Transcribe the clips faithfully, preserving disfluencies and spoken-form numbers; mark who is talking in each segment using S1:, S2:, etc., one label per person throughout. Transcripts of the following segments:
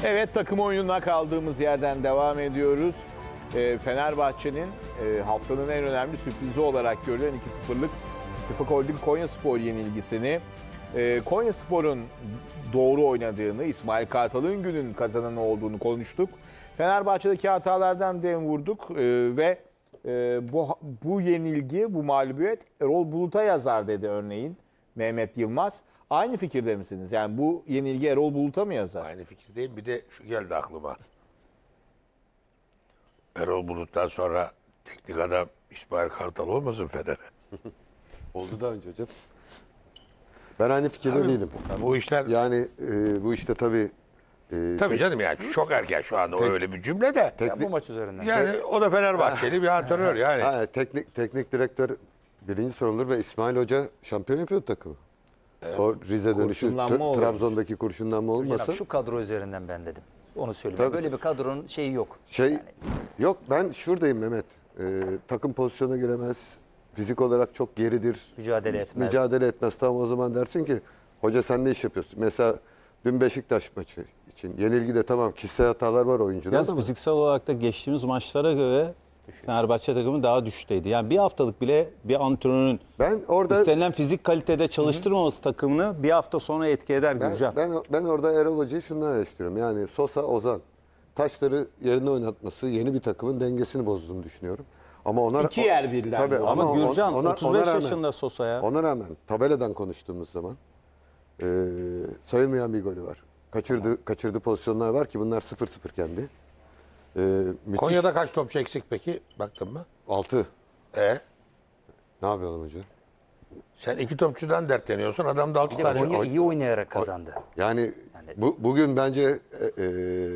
S1: Evet, takım oyununa kaldığımız yerden devam ediyoruz. E, Fenerbahçe'nin e, haftanın en önemli sürprizi olarak görülen iki sıfırlık İttifak Holding Konyaspor yenilgisini, e, Konyaspor'un doğru oynadığını, İsmail Kartal'ın günün kazananı olduğunu konuştuk. Fenerbahçe'deki hatalardan dem vurduk e, ve e, bu, bu yenilgi, bu mağlubiyet Erol Bulut'a yazar dedi örneğin Mehmet Yılmaz. Aynı fikirde misiniz? Yani bu yenilgi Erol Bulut'a mı yazar?
S2: Aynı fikirdeyim. Bir de şu geldi aklıma. Erol Bulut'tan sonra teknik adam İsmail Kartal olmasın Fener'e?
S3: Oldu daha önce hocam. Ben aynı fikirde değilim.
S2: Bu işler...
S3: Yani e, bu işte tabii... E,
S2: Tabii
S3: tek-
S2: canım yani çok erken şu anda o öyle bir cümle de.
S4: Ya
S3: teknik,
S4: bu maç üzerinden.
S2: Yani o da Fenerbahçeli bir antrenör yani.
S3: ha, teknik, teknik direktör birinci sorumludur ve İsmail Hoca şampiyon yapıyordu takımı. O Rize dönüşü,
S1: Kurşunlanma
S3: Tra-
S1: oluyormuş.
S3: Trabzon'daki kurşunlanma olmasa...
S4: Hocam şu kadro üzerinden ben dedim. Onu söyleyeyim.
S3: Tabii.
S4: Böyle bir kadronun şeyi yok.
S3: Şey yok, ben şuradayım Mehmet. Ee, takım pozisyona giremez. Fizik olarak çok geridir.
S4: Mücadele etmez.
S3: Mücadele etmez. Tamam, o zaman dersin ki hoca sen ne iş yapıyorsun? Mesela dün Beşiktaş maçı için yenilgide tamam kişisel hatalar var oyuncuda
S5: Yalnız
S3: ama
S5: fiziksel olarak da geçtiğimiz maçlara göre Fenerbahçe takımı daha düşteydi. Yani bir haftalık bile bir antrenörün
S3: ben orada
S5: istenilen fizik kalitede çalıştırmaması takımını bir hafta sonra etki eder
S3: ben,
S5: Gürcan.
S3: ben, ben orada Erol Hoca'yı şundan eleştiriyorum. Yani Sosa, Ozan taşları yerine oynatması yeni bir takımın dengesini bozduğunu düşünüyorum. Ama ona
S1: İki yer birden
S3: Tabii,
S1: bu.
S5: Ama
S3: on-
S5: Gürcan
S3: ona-
S5: otuz beş
S3: ona rağmen-
S5: yaşında Sosa ya.
S3: Ona rağmen tabeladan konuştuğumuz zaman e, sayılmayan bir golü var. Kaçırdı, kaçırdığı pozisyonlar var ki bunlar sıfır sıfır kendi. E, müthiş.
S2: Konya'da kaç topçu eksik peki? Baktın mı?
S3: altı.
S2: E
S3: Ne yapalım hoca?
S2: sen iki topçudan dertleniyorsun. Adam da altı
S4: Bir de
S2: tane.
S4: Konya iyi oynayarak kazandı.
S3: Yani bu, bugün bence e, e,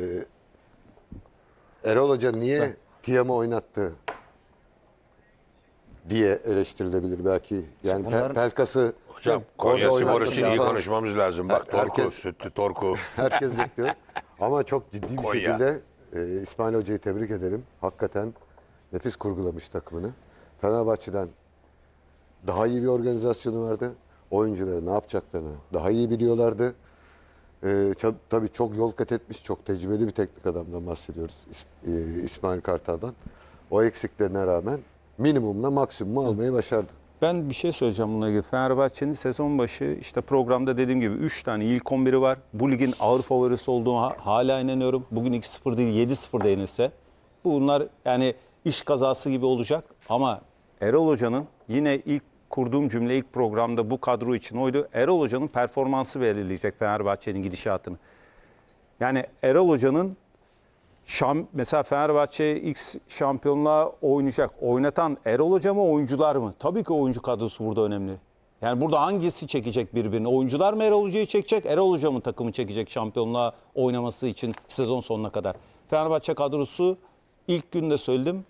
S3: Erol Hoca niye Tiam'ı oynattı diye eleştirilebilir belki. Yani
S4: bunların-
S3: Pe- Pelkas'ı
S2: Hocam Konya
S3: orada
S2: Spor
S3: oynatması
S2: için iyi
S3: falan
S2: konuşmamız lazım. Bak Torku,
S3: Herkes-
S2: Sütlü Torku.
S3: herkes bekliyor. Ama çok ciddi bir
S2: Konya.
S3: şekilde e, İsmail Hoca'yı tebrik ederim. Hakikaten nefis kurgulamış takımını. Fenerbahçe'den daha iyi bir organizasyonu vardı. Oyuncuları ne yapacaklarını daha iyi biliyorlardı. Ee, ça- tabii çok yol kat etmiş, çok tecrübeli bir teknik adamdan bahsediyoruz. İs- e, İsmail Kartal'dan. O eksiklerine rağmen minimumla maksimumu almayı başardı.
S5: Ben bir şey söyleyeceğim bununla ilgili. Fenerbahçe'nin sezon başı işte programda dediğim gibi üç tane ilk on biri var. Bu ligin ağır favorisi olduğunu hala inanıyorum. Bugün iki sıfır değil yedi sıfır da yenilse. Bunlar yani iş kazası gibi olacak. Ama Erol Hoca'nın yine ilk kurduğum cümle ilk programda bu kadro için oydu. Erol Hoca'nın performansı belirleyecek Fenerbahçe'nin gidişatını. Yani Erol Hoca'nın Şam, mesela Fenerbahçe X şampiyonluğa oynayacak. Oynatan Erol Hoca mı, oyuncular mı? Tabii ki oyuncu kadrosu burada önemli. Yani burada hangisi çekecek birbirini? Oyuncular mı Erol Hoca'yı çekecek? Erol Hoca mı takımı çekecek şampiyonluğa oynaması için sezon sonuna kadar? Fenerbahçe kadrosu ilk günde söyledim.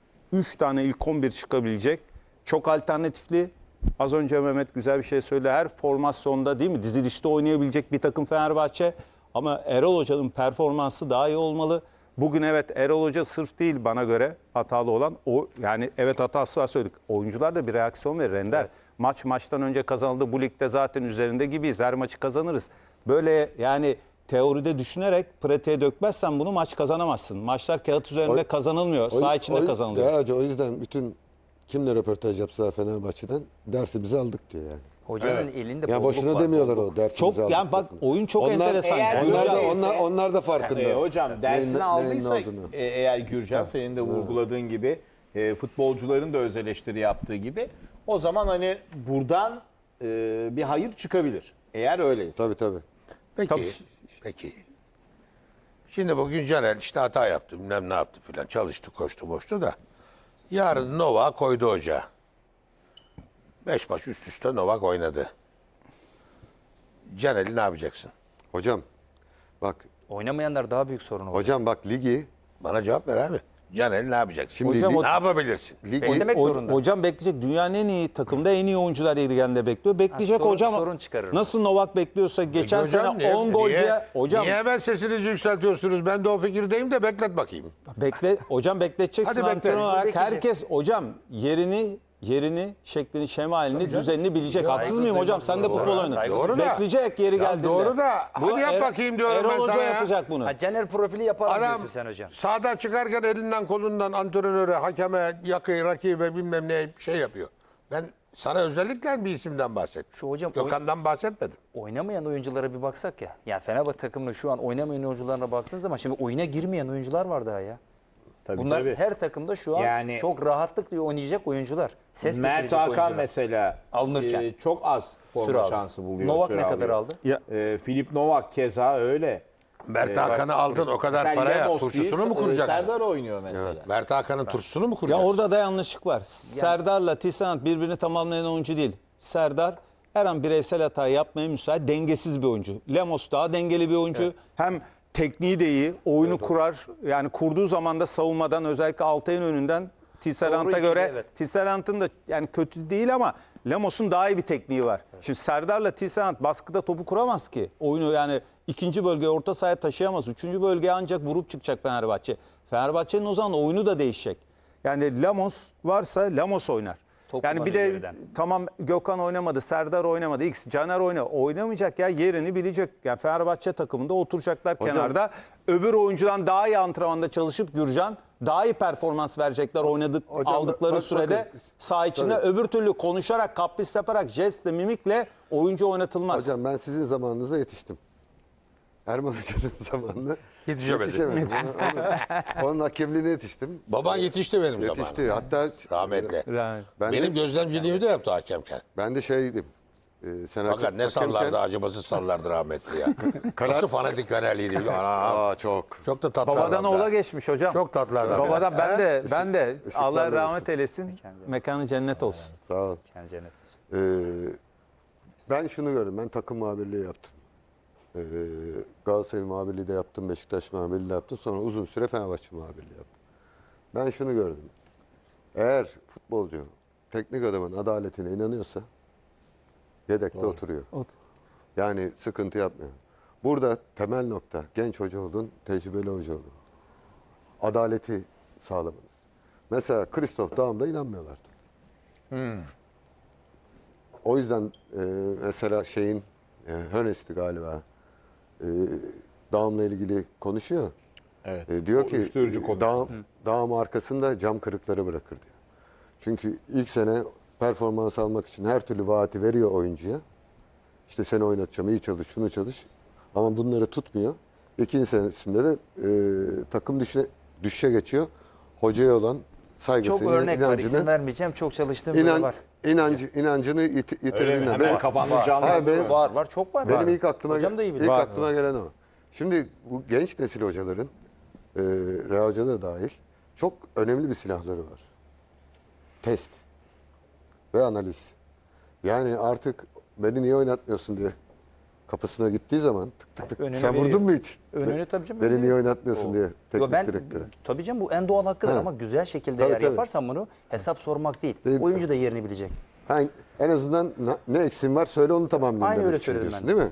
S5: üç tane ilk on bir çıkabilecek. Çok alternatifli. Az önce Mehmet güzel bir şey söyledi. Her formasyonda değil mi? Dizilişte oynayabilecek bir takım Fenerbahçe. Ama Erol Hoca'nın performansı daha iyi olmalı. Bugün evet Erol Hoca sırf değil bana göre hatalı olan. O yani evet hatası var söyledik. Oyuncular da bir reaksiyon verir Ender. Evet. Maç maçtan önce kazanıldı. Bu ligde zaten üzerinde gibiyiz. Her maçı kazanırız. Böyle yani teoride düşünerek pratiğe dökmezsen bunu maç kazanamazsın. Maçlar kağıt üzerinde
S3: O-
S5: kazanılmıyor. Saha içinde
S3: o-
S5: kazanılıyor.
S3: Ya hoca, o yüzden bütün kimle röportaj yapsa Fenerbahçe'den dersimizi aldık diyor yani.
S4: Hocanın
S1: Evet.
S4: elinde
S3: Ya
S4: bolluk
S3: boşuna
S4: var,
S3: demiyorlar
S4: bolluk.
S3: o dersimizi
S5: Çok
S3: aldık.
S5: yani bak
S3: lafını.
S5: oyun çok
S3: Onlar-
S5: enteresan.
S1: Eğer
S3: Onlar da,
S1: öyleyse-
S3: onlar, onlar da farkında.
S1: E, hocam dersini
S3: Neyin-
S1: aldıysa
S3: neyin olduğunu.
S1: e, eğer Gürcan senin de vurguladığın gibi e, futbolcuların da öz eleştiri yaptığı gibi o zaman hani buradan e, bir hayır çıkabilir. Eğer öyleyse.
S3: Tabii tabii.
S2: Peki.
S5: Tabii.
S2: Peki. Şimdi bugün Caner işte hata yaptı. Bilmem ne yaptı filan. Çalıştı, koştu, boştu da. Yarın Novak koydu hoca. Beş maç üst üste Novak oynadı. Caner'i ne yapacaksın?
S3: Hocam bak
S4: Oynamayanlar daha büyük sorun olacak.
S3: hocam bak ligi
S2: Bana cevap ver abi. Caner'i ne yapacaksın?
S3: Şimdi
S5: Hocam
S3: lig-
S5: o-
S2: ne yapabilirsin?
S3: ligi
S4: Beklemek
S5: O-
S4: zorunda.
S5: Hocam bekleyecek. Dünyanın en iyi takımda en iyi oyuncular liginde bekliyor. Bekleyecek
S4: sorun-
S5: hocam.
S4: sorun çıkarır.
S5: Nasıl Novak bekliyorsa geçen
S2: Hocam
S5: sene
S2: niye-
S5: on gol
S2: niye-
S5: diye hocam
S2: Niye hemen sesinizi yükseltiyorsunuz? Ben de o fikirdeyim de beklet bakayım.
S5: bekle hocam bekleteceksin
S2: Hadi bekle.
S5: antrenör olarak.
S4: Bekleyeceğiz.
S5: Herkes hocam yerini yerini, şeklini, şemalini, düzenini bilecek. Haksız mıyım hocam? Sen de
S4: Doğru.
S5: futbol oynadın.
S4: Saygı
S2: Doğru da.
S5: Bekleyecek yeri
S2: Ya
S5: geldiğinde.
S2: doğru da,
S5: Bu
S2: hadi yap
S5: Er-
S2: bakayım diyorum
S5: Erol
S2: ben
S5: Hoca
S2: sana ya.
S5: yapacak bunu.
S4: Ha, Caner profili yapar
S2: Adam
S4: diyorsun sen hocam.
S2: sahada çıkarken elinden kolundan antrenöre, hakeme, yakı, rakibe bilmem ne şey yapıyor. Ben sana özellikle bir isimden bahsettim.
S4: Şu hocam
S2: Gökhan'dan bahsetmedim.
S4: oynamayan oyunculara bir baksak ya. Ya Fenerbahçe takımının şu an oynamayan oyuncularına baktığın zaman şimdi oyuna girmeyen oyuncular var daha ya.
S1: Tabii,
S4: Bunlar
S1: tabii.
S4: her takımda şu an
S1: Yani-
S4: çok rahatlıkla oynayacak oyuncular. Ses
S1: Mert
S4: getirecek
S1: Hakan
S4: oyuncular.
S1: mesela
S4: Alınırken.
S1: e, çok az
S4: Süre
S1: forma
S4: aldı.
S1: şansı buluyor.
S4: Novak
S1: süre
S4: ne kadar
S1: alıyor.
S4: aldı?
S5: Ya-
S1: E, Filip Novak keza öyle.
S2: Mert Hakan'ı aldın o kadar
S1: Mesela
S2: paraya
S1: Lemos
S2: turşusunu
S1: değil,
S2: mu kuracaksın?
S1: Serdar oynuyor mesela.
S2: Mert Hakan'ın turşusunu mu
S5: Ya
S2: kuracaksın?
S5: orada da yanlışlık var. Serdar'la Tisserand birbirini tamamlayan oyuncu değil. Serdar her an bireysel hata yapmaya müsait, dengesiz bir oyuncu. Lemos daha dengeli bir oyuncu. Hem tekniği de iyi, oyunu kurar. Yani kurduğu zaman da savunmadan özellikle Altay'ın önünden Tisserand'a
S4: Doğru
S5: göre
S4: ikili, evet.
S5: Tisserand'ın da yani kötü değil ama Lemos'un daha iyi bir tekniği var. Şimdi Serdar'la Tisserand baskıda topu kuramaz ki. Oyunu yani ikinci bölgeye orta sahaya taşıyamaz. Üçüncü bölgeye ancak vurup çıkacak Fenerbahçe. Fenerbahçe'nin o zaman oyunu da değişecek. Yani Lemos varsa Lemos oynar.
S4: Top
S5: yani bir
S4: kullanıyor
S5: de
S4: geriden.
S5: tamam Gökhan oynamadı, Serdar oynamadı, X, Caner oyna. Oynamayacak ya, yerini bilecek. Yani Fenerbahçe takımında oturacaklar kenarda. Öbür oyuncudan daha iyi antrenmanda çalışıp Gürcan daha iyi performans verecekler oynadık
S3: Hocam,
S5: aldıkları
S3: bak-
S5: sürede
S3: bakın,
S5: saha içinde.
S3: tabii.
S5: Öbür türlü konuşarak, kapris yaparak, jestle, mimikle oyuncu oynatılmaz.
S3: Hocam ben sizin zamanınıza yetiştim. Erman Hoca'nın zamanında
S2: Yetişemedin.
S3: yetişemedim. Onun, onun hakemliğine yetiştim.
S2: Baban yetişti benim
S3: Yetişti.
S2: zamanımda.
S3: Hatta
S2: Rahmetli.
S5: Yani.
S3: ben
S2: Benim
S3: de,
S2: gözlemciliğimi de yaptı hakemken.
S3: ben de şeydim. E, sen
S2: Fakat ne
S3: hakemken-
S2: sallardı, acımasız sallardı rahmetli ya. Nasıl fanatik Fenerliydi biliyor musun? Ana,
S3: Aa çok.
S2: çok da tatlı
S5: Babadan
S2: adam da.
S5: oğula geçmiş hocam.
S2: Çok tatlı adam.
S5: Babadan ben de ben de
S3: Işıklar
S5: Allah
S3: verirsin.
S5: rahmet eylesin. Mekanı cennet olsun.
S3: Sağ ol.
S4: Yani cennet.
S3: Ee, ben şunu gördüm. Ben takım muhabirliği yaptım. Ee, Galatasaray muhabirliği de yaptım. Beşiktaş muhabirliği de yaptım. Sonra uzun süre Fenerbahçe muhabirliği yaptım. Ben şunu gördüm. Eğer futbolcu teknik adamın adaletine inanıyorsa yedekte oturuyor.
S5: Otur.
S3: Yani sıkıntı yapmıyor. Burada temel nokta genç hoca olun, tecrübeli hoca olun. Adaleti sağlamanız. Mesela Christoph Daum'da inanmıyorlardı. O yüzden e, mesela şeyin e, Hönes'ti galiba e, Daum'la ilgili konuşuyor.
S1: Evet.
S3: E, diyor
S1: O
S3: ki
S1: uyuşturucu konuşuyor.
S3: Daum, Daum arkasında cam kırıkları bırakır diyor. Çünkü ilk sene performans almak için her türlü vaati veriyor oyuncuya. İşte seni oynatacağım, iyi çalış, şunu çalış. Ama bunları tutmuyor. İkinci senesinde de e, takım düşe, düşüşe geçiyor. Hocaya olan saygısını,
S4: Çok örnek var.
S3: inancını,
S4: İsim vermeyeceğim. Çok çalıştığım biri
S3: inan,
S4: var.
S3: inancı, inancını yit,
S1: Öyle mi?
S3: yitirdiğinde.
S1: Hemen
S3: Ben-
S1: kafamda canlı.
S3: Ha, benim-
S4: Var var. Çok var.
S3: Benim ilk aklıma
S4: Hocam da iyi bilir.
S3: ilk
S4: Var.
S3: aklıma gelen o. Şimdi bu genç nesil hocaların, e, Reha Hoca da dahil, çok önemli bir silahları var. Test ve analiz. Yani artık beni niye oynatmıyorsun diye kapısına gittiği zaman tık tık tık.
S4: Önüne
S3: Sen
S4: veriyor.
S3: vurdun mu hiç?
S4: Önünü tabii canım.
S3: Beni
S4: veriyor.
S3: niye oynatmıyorsun diye
S4: Yo,
S3: teknik
S4: ben,
S3: direktöre.
S4: tabii canım bu en doğal hakkıdır
S3: Ha.
S4: ama güzel şekilde
S3: Tabii,
S4: eğer
S3: tabii.
S4: yaparsan bunu hesap sormak değil.
S3: Değil.
S4: Oyuncu da yerini bilecek.
S3: Ha, en azından na- ne eksin var söyle onu tamamlayayım
S4: Aynı
S3: demek
S4: öyle
S3: için
S4: söyledim
S3: diyorsun,
S4: ben de.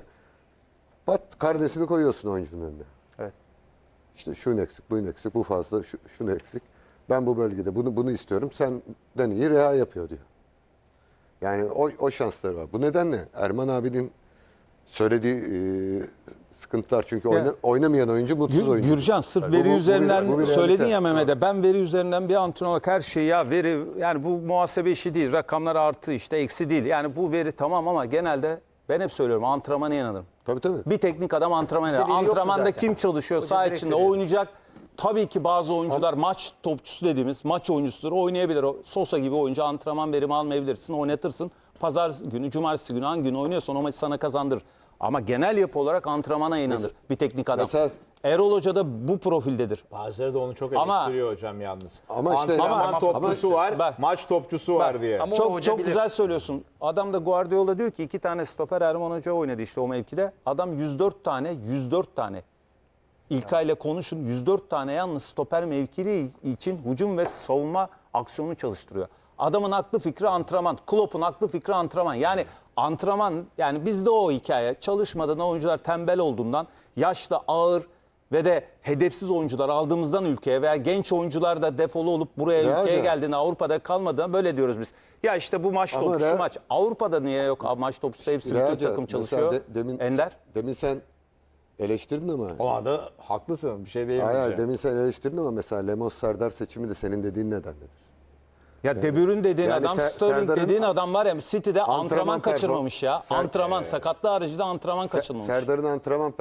S3: değil mi? Pat kardeşini koyuyorsun oyuncunun önüne.
S4: Evet.
S3: İşte şunu eksik, bunu eksik, bu fazla, şu, şunu eksik. Ben bu bölgede bunu bunu istiyorum. Senden iyi Reha yapıyor diyor. Yani o, o şansları var. Bu nedenle Erman abinin söylediği e, sıkıntılar çünkü oyna- oynamayan oyuncu mutsuz
S5: Gür-
S3: oyuncu.
S5: Gürcan sırf
S3: Bu-
S5: veri
S3: bu- bu bir-
S5: üzerinden
S3: bu bir
S5: söyledin
S3: realite.
S5: ya Mehmet'e. Ben veri üzerinden bir antrenör olarak her şeyi ya veri yani bu muhasebe işi değil. Rakamlar artı işte eksi değil. Yani bu veri tamam ama genelde ben hep söylüyorum antrenmana inanırım.
S3: Tabii tabii.
S5: Bir teknik adam antrenmana inanır.
S4: veri yoktu
S5: Antrenmanda
S4: zaten.
S5: kim çalışıyor
S4: Hoca
S5: saha
S4: direkt
S5: içinde
S4: söylüyor.
S5: oynayacak. Tabii ki bazı oyuncular maç topçusu dediğimiz maç oyuncusudur. Oynayabilir. O Sosa gibi oyuncu antrenman verimi almayabilirsin. Oynatırsın. Pazar günü, cumartesi günü hangi gün oynuyorsan o maçı sana kazandırır. Ama genel yapı olarak antrenmana inanır
S3: Mesela-
S5: bir teknik adam.
S3: mesela-
S5: Erol Hoca da bu profildedir.
S1: Bazıları da onu çok
S5: Ama-
S1: eleştiriyor hocam yalnız.
S3: Ama işte-
S1: Antrenman
S3: ama-
S1: topçusu
S3: ama-
S1: var,
S5: Bak-
S1: maç topçusu var
S5: Bak,
S1: diye.
S4: ama-
S5: Çok
S4: hoca
S5: çok
S4: bilir.
S5: güzel söylüyorsun. Adam da Guardiola diyor ki iki tane stoper Erman Hoca oynadı işte o mevkide. Adam yüz dört tane, yüz dört tane. İlkay ile konuşun yüz dört tane yalnız stoper mevkili için hücum ve savunma aksiyonu çalıştırıyor. Adamın aklı fikri antrenman. Klopp'un aklı fikri antrenman. Yani antrenman yani bizde o hikaye. Çalışmadan oyuncular tembel olduğundan yaşlı, ağır, ve de hedefsiz oyuncular aldığımızdan ülkeye veya genç oyuncular da defolu olup buraya
S3: Ya
S5: ülkeye
S3: hocam.
S5: geldiğinde Avrupa'da kalmadığında böyle diyoruz biz. Ya işte bu maç
S3: Ama
S5: topçusu
S3: Real-
S5: maç. Avrupa'da niye yok maç topçusu, hepsi bütün
S3: Realca,
S5: takım
S3: mesela
S5: çalışıyor.
S3: de- demin,
S5: Ender.
S3: Demin sen eleştirdin ama.
S1: O anda haklısın. Bir şey
S3: Hayır, hayır,
S1: diyemeyeceğim.
S3: demin sen eleştirdin ama mesela Lemos Serdar seçimi de senin dediğin nedenledir.
S5: Ya De Bruyne dediğin
S3: Yani
S5: adam,
S3: Ser-
S5: Sterling
S3: Serdar'ın
S5: dediğin adam var ya City'de antrenman,
S3: antrenman
S5: kaçırmamış ya.
S3: perform- Ser-
S5: Antrenman, sakatlığı haricinde antrenman
S3: Se-
S5: kaçırmamış.
S3: Serdar'ın antrenman